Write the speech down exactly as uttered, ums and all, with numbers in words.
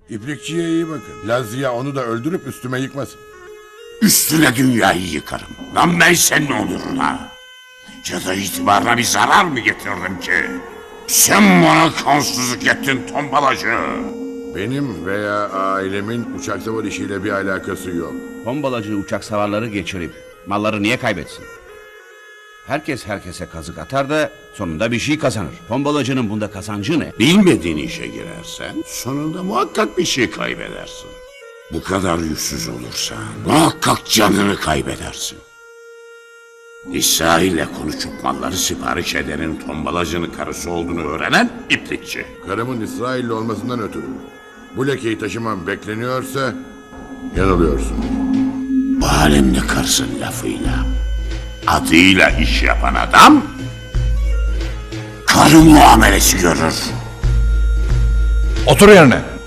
İplikçiye iyi bakın. Lazia onu da öldürüp üstüme yıkmasın. Üstüne dünyayı yıkarım. Lan ben senin onuruna. Ya da itibarına bir zarar mı getirdim ki? Sen bana kansızlık ettin tombalacı. Benim veya ailemin uçak savar işiyle bir alakası yok. Tombalacı uçak savarları geçirip malları niye kaybetsin? Herkes herkese kazık atar da sonunda bir şey kazanır. Tombalacının bunda kazancı ne? Bilmediğin işe girersen sonunda muhakkak bir şey kaybedersin. Bu kadar yüzsüz olursan muhakkak canını kaybedersin. İsa ile konuşup malları sipariş edenin tombalacının karısı olduğunu öğrenen iplikçi. Karımın İsrailli olmasından ötürü bu lekeyi taşımam bekleniyorsa yanılıyorsun. Bu alemde karısın lafıyla, adıyla iş yapan adam karı muamelesi görür. Otur yerine.